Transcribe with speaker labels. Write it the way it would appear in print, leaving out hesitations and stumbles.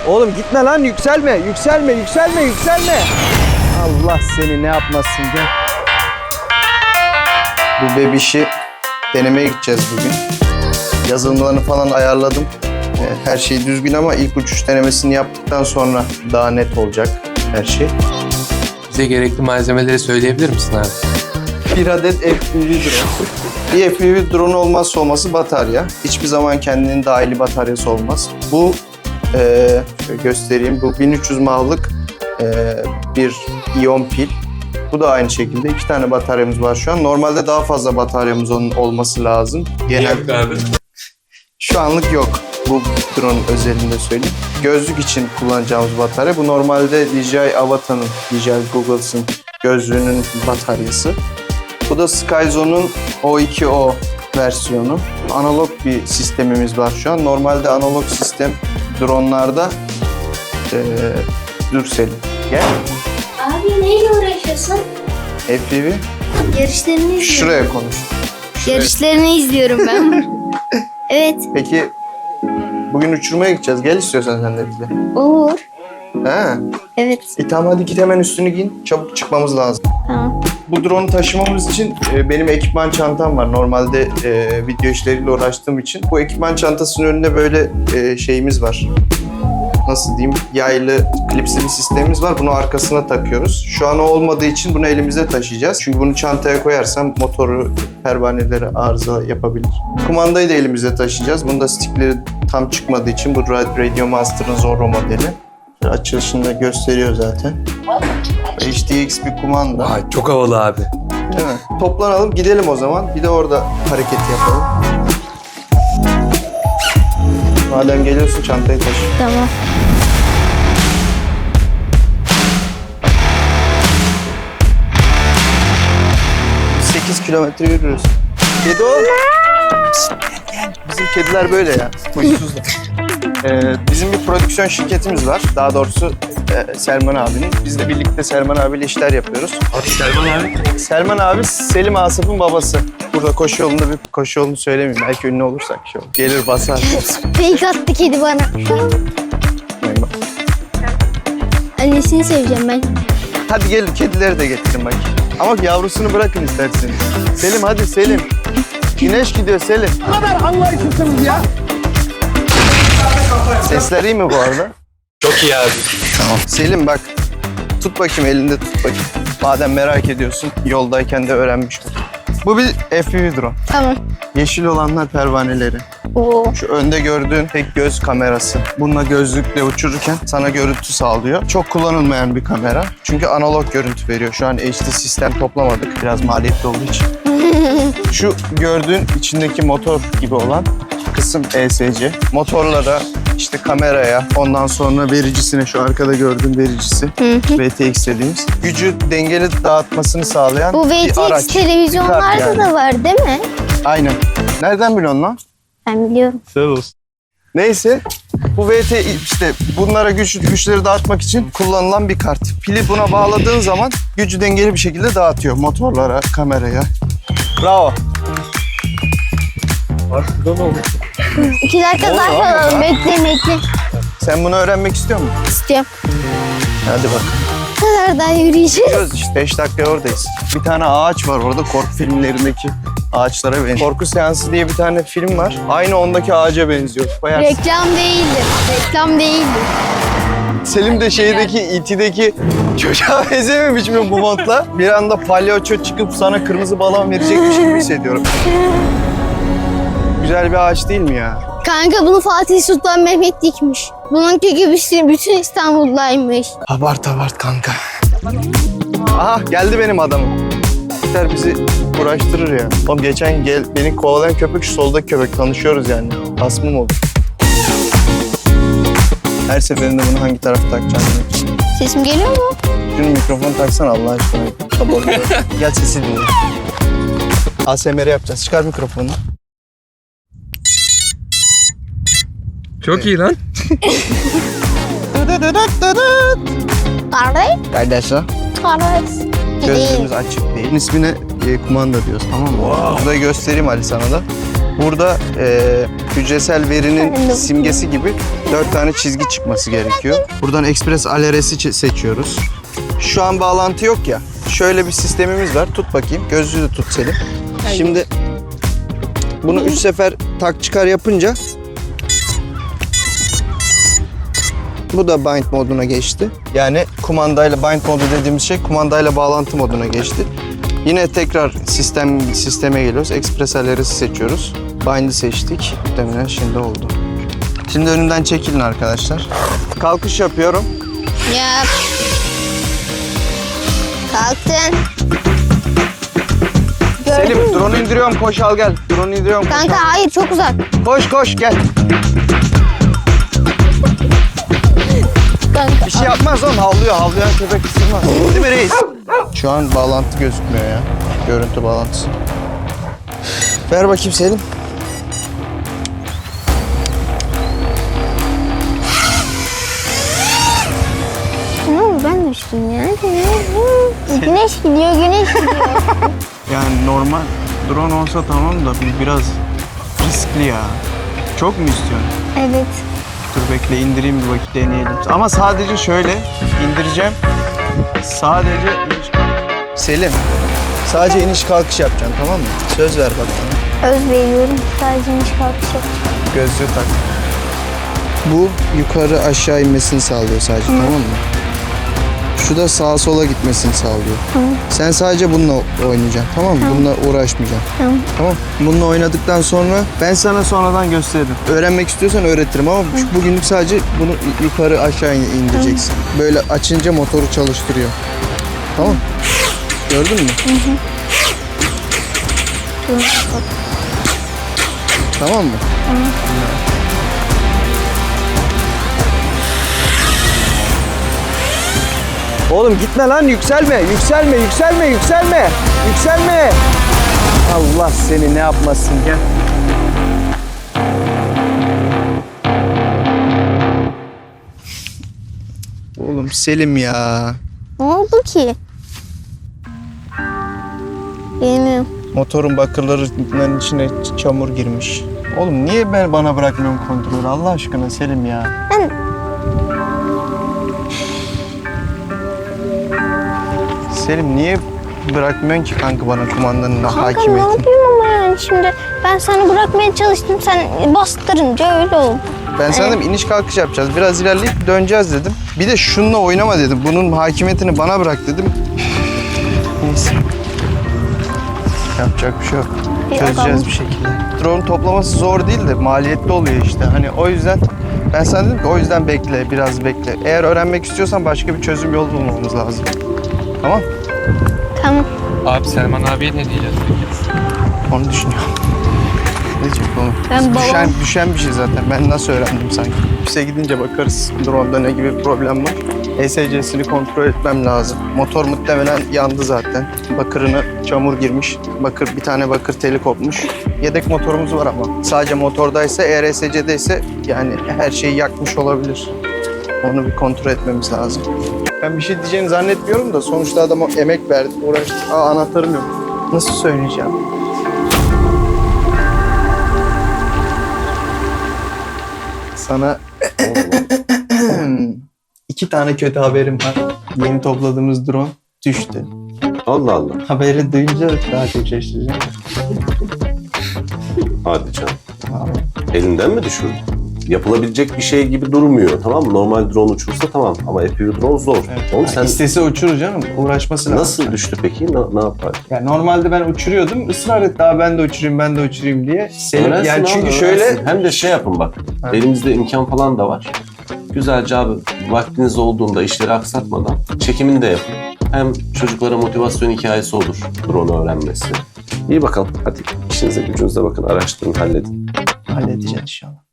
Speaker 1: Oğlum gitme lan, yükselme, yükselme, yükselme, yükselme. Allah seni ne yapmasın, gel. Bu bebişi denemeye gideceğiz bugün. Yazılımlarını falan ayarladım. Her şey düzgün ama ilk uçuş denemesini yaptıktan sonra daha net olacak her şey.
Speaker 2: Bize gerekli malzemeleri söyleyebilir misin abi?
Speaker 1: Bir adet FPV drone. Bir FPV drone olmazsa olması batarya. Hiçbir zaman kendinin dahili bataryası olmaz. Bu şöyle göstereyim. Bu 1300 mAh'lık bir iyon pil. Bu da aynı şekilde 2 tane bataryamız var şu an. Normalde daha fazla bataryamız olması lazım.
Speaker 2: Yok abi.
Speaker 1: Şu anlık yok. Bu drone özelinde söyleyeyim. Gözlük için kullanacağımız batarya. Bu normalde DJI Avata'nın, DJI Goggle's'ın gözlüğünün bataryası. Bu da Skyzone'un O2O versiyonu. Analog bir sistemimiz var şu an. Normalde analog sistem drone'larda dur Selim. Gel.
Speaker 3: Abi neyle uğraşıyorsun?
Speaker 1: FPV.
Speaker 3: Yarışlarını izliyorum.
Speaker 1: Şuraya konuş.
Speaker 3: Yarışlarını izliyorum ben. Evet.
Speaker 1: Peki bugün uçurmaya gideceğiz. Gel istiyorsan sen de bize.
Speaker 3: Olur.
Speaker 1: Ha.
Speaker 3: Evet.
Speaker 1: Tamam hadi git hemen üstünü giyin. Çabuk çıkmamız lazım.
Speaker 3: Tamam.
Speaker 1: Bu drone'u taşımamız için benim ekipman çantam var. Normalde video işleriyle uğraştığım için. Bu ekipman çantasının önünde böyle şeyimiz var. Nasıl diyeyim? Yaylı, klipsli bir sistemimiz var. Bunu arkasına takıyoruz. Şu an o olmadığı için bunu elimizde taşıyacağız. Çünkü bunu çantaya koyarsam motoru, pervaneleri arıza yapabilir. Kumandayı da elimizde taşıyacağız. Bunda stickleri tam çıkmadığı için bu Radio Master'ın Zorro modeli. Açılışında gösteriyor zaten. HDX bir kumanda.
Speaker 2: Ay çok havalı abi.
Speaker 1: Değil mi? Toplanalım gidelim o zaman. Bir de orada hareket yapalım. Madem geliyorsun çantayı taşı.
Speaker 3: Tamam.
Speaker 1: Biz 8 kilometre yürürüz. Kedi ol. Pişt, gel. Bizim kediler böyle ya. Huysuzlar. Bizim bir prodüksiyon şirketimiz var. Daha doğrusu Selman abinin. Biz de birlikte Selman abiyle işler yapıyoruz.
Speaker 2: Abi Selman abi.
Speaker 1: Selman abi Selim Asaf'ın babası. Burada koşu yolunda bir koşu yolunu söylemeyeyim. Belki ünlü olursak şey olur. Gelir basar.
Speaker 3: Fake attı kedi bana. Annesini seveceğim ben.
Speaker 1: Hadi gelin kedileri de getirin bak. Ama yavrusunu bırakın isterseniz. Selim hadi Selim. Güneş gidiyor Selim.
Speaker 4: Ne kadar anlayışlısınız ya.
Speaker 1: Sesler iyi mi bu arada?
Speaker 2: Çok iyi abi.
Speaker 1: Tamam. Selim bak. Tut bakayım elinde tut bakayım. Madem merak ediyorsun yoldayken de öğrenmiş ol. Bu bir FPV drone.
Speaker 3: Tamam.
Speaker 1: Yeşil olanlar pervaneleri.
Speaker 3: Oo.
Speaker 1: Şu önde gördüğün tek göz kamerası. Bununla gözlükle uçururken sana görüntü sağlıyor. Çok kullanılmayan bir kamera. Çünkü analog görüntü veriyor. Şu an HD sistem toplamadık. Biraz maliyetli olduğu için. Şu gördüğün içindeki motor gibi olan kısım ESC. Motorlara, işte kameraya, ondan sonra vericisine, şu arkada gördüğün vericisi. VTX dediğimiz. Gücü dengeli dağıtmasını sağlayan
Speaker 3: Bu
Speaker 1: bir
Speaker 3: VTX
Speaker 1: araç.
Speaker 3: televizyonlarda
Speaker 1: Bir kart yani.
Speaker 3: da var değil mi?
Speaker 1: Aynen. Nereden biliyorsun lan?
Speaker 3: Ben biliyorum.
Speaker 1: Sağ olsun. Neyse, bu işte bunlara güçleri dağıtmak için kullanılan bir kart. Pili buna bağladığın zaman gücü dengeli bir şekilde dağıtıyor motorlara, kameraya. Bravo.
Speaker 2: Abi burada ne oldu?
Speaker 3: 2 dakika
Speaker 1: Olur,
Speaker 3: daha
Speaker 1: olur,
Speaker 3: kalalım.
Speaker 1: ha.
Speaker 3: Bekle.
Speaker 1: Sen bunu öğrenmek istiyor musun?
Speaker 3: İstiyorum.
Speaker 1: Hadi bak.
Speaker 3: Bu kadar daha yürüyeceğiz.
Speaker 1: Gidiyoruz işte 5 dakika oradayız. Bir tane ağaç var orada, korku filmlerindeki ağaçlara benziyor. Korku Seansı diye bir tane film var. Aynı ondaki ağaca benziyor. Bayağı.
Speaker 3: Reklam değildir. Reklam değildir.
Speaker 1: Selim de şeydeki E.T.'deki çocuğa benzememiş mi bu montla? Bir anda palyaço çıkıp sana kırmızı balon verecekmiş gibi hissediyorum. Güzel bir ağaç değil mi ya?
Speaker 3: Kanka bunu Fatih Sultan Mehmet dikmiş. Bununki gibisi bütün İstanbul'daymış.
Speaker 1: Abart kanka. Aha geldi benim adamım. İster bizi uğraştırır ya. Oğlum geçen beni kovalayan köpek şu soldaki köpek. Tanışıyoruz yani. Hasmım oldu. Her seferinde bunu hangi tarafa takacağım?
Speaker 3: Sesim geliyor mu?
Speaker 1: Şunu mikrofonu taksana Allah aşkına. Kapalı. Gel sesi dinle. ASMR yapacağız. Çıkar mikrofonu.
Speaker 2: Çok iyi lan.
Speaker 3: Kardeş.
Speaker 1: Kardeşler.
Speaker 3: Kardeş.
Speaker 1: Gözlerimiz açık değil. İsmine kumanda diyoruz, tamam mı? Burada göstereyim Ali sana da. Burada hücresel verinin simgesi gibi 4 tane çizgi çıkması gerekiyor. Buradan Express Aleres'i seçiyoruz. Şu an bağlantı yok ya. Şöyle bir sistemimiz var. Tut bakayım. Gözlüğü de tut Selim. Şimdi bunu 3 sefer tak çıkar yapınca bu da bind moduna geçti. Yani kumandayla bind modu dediğimiz şey kumandayla bağlantı moduna geçti. Yine tekrar sisteme geliyoruz. Express Aleres'i seçiyoruz. Bind'i seçtik. Muhtemelen şimdi oldu. Şimdi önünden çekilin arkadaşlar. Kalkış yapıyorum.
Speaker 3: Yap. Kalktın. Gördün
Speaker 1: Selim,
Speaker 3: mü?
Speaker 1: drone indiriyorum. Koş al gel. Drone indiriyorum. Koş,
Speaker 3: Kanka hayır, çok uzak.
Speaker 1: koş gel.
Speaker 3: Kanka.
Speaker 1: Bir şey yapmaz oğlum. Havlayan köpek ısırmaz. Değil mi reis? Şu an bağlantı gözükmüyor ya. Görüntü bağlantısı. Ver bakayım Selim.
Speaker 3: Ne oldu, ben düştüm ya. Güneş gidiyor.
Speaker 1: Yani normal drone olsa tamam da biraz riskli ya. Çok mu istiyorsun?
Speaker 3: Evet.
Speaker 1: Dur bekle indireyim bir vakit deneyelim. Ama sadece şöyle indireceğim. Sadece iniş kalkış. Selim, sadece iniş kalkış yapacaksın tamam mı? Söz ver bak bana.
Speaker 3: Öz veriyorum. Sadece iniş kalkış yap.
Speaker 1: Gözlüğü tak. Bu yukarı aşağı inmesini sağlıyor sadece tamam mı? Şu da sağa sola gitmesini sağlıyor. Sen sadece bununla oynayacaksın tamam mı? Bununla uğraşmayacaksın. Tamam. Bununla oynadıktan sonra ben sana sonradan gösteririm. Öğrenmek istiyorsan öğretirim ama bugünlük sadece bunu yukarı aşağı indireceksin. Böyle açınca motoru çalıştırıyor. Tamam. Gördün mü? Tamam mı? Oğlum gitme lan yükselme. Allah seni ne yapmasın gel. Oğlum Selim ya.
Speaker 3: Ne oldu ki? Bilmiyorum.
Speaker 1: Motorun bakırlarının içine çamur girmiş. Oğlum niye bana bırakmıyorsun kontrolü Allah aşkına Selim ya.
Speaker 3: Ben...
Speaker 1: Selim niye bırakmıyorsun ki kanka bana kumandanın
Speaker 3: Kanka ne
Speaker 1: hakimiyetini?
Speaker 3: yapayım ama yani şimdi ben sana bırakmaya çalıştım, sen bastırınca öyle oldu.
Speaker 1: Ben sana dedim iniş kalkış yapacağız. Biraz ilerleyip döneceğiz dedim. Bir de şununla oynama dedim. Bunun hakimiyetini bana bırak dedim. Neyse. Yapacak bir şey yok. Çözeceğiz bir şekilde. Drone toplaması zor değil de maliyetli oluyor işte. Hani o yüzden ben sana dedim ki o yüzden bekle, biraz bekle. Eğer öğrenmek istiyorsan başka bir çözüm yolu bulmamız lazım. Tamam?
Speaker 3: Tamam.
Speaker 2: Abi Selman abiye ne diyeceğiz peki?
Speaker 1: Onu düşünüyorum. Ne diyecek oğlum?
Speaker 3: Ben babam-
Speaker 1: Düşen bir şey zaten. Ben nasıl öğrendim sanki? Ofise gidince bakarız drone'da ne gibi bir problem var. ESC'sini kontrol etmem lazım. Motor muhtemelen yandı zaten. Bakırına çamur girmiş. Bir tane bakır teli kopmuş. Yedek motorumuz var ama. Sadece motordaysa, eğer ESC'deyse yani her şeyi yakmış olabilir. Onu bir kontrol etmemiz lazım. Ben bir şey diyeceğini zannetmiyorum da sonuçta adama emek verdim, uğraştım. Anahtarım yok. Nasıl söyleyeceğim? Sana 2 tane kötü haberim var. Yeni topladığımız drone düştü.
Speaker 5: Allah Allah.
Speaker 1: Haberi duyunca daha çok şaşıracağım.
Speaker 5: Hadi canım. Elinden mi düşürdün? Yapılabilecek bir şey gibi durmuyor, tamam mı? Normal drone uçursa tamam ama FPV drone zor. Oğlum sen
Speaker 1: İstese uçurur canım. Uğraşması lazım.
Speaker 5: nasıl düştü peki? Ne yapar?
Speaker 1: Yani normalde ben uçuruyordum. Israr etti daha ben de uçurayım diye.
Speaker 5: Öğrensin
Speaker 1: Yani
Speaker 5: abi,
Speaker 1: çünkü
Speaker 5: öğrensin.
Speaker 1: şöyle
Speaker 5: Hem de şey yapın bak. Elimizde imkan falan da var. Güzelce abi vaktiniz olduğunda işleri aksatmadan çekimini de yapın. Hem çocuklara motivasyon hikayesi olur drone öğrenmesi. İyi bakalım. Hadi işinize gücünüze bakın. Araştırın, halledin.
Speaker 1: halledeceğiz inşallah.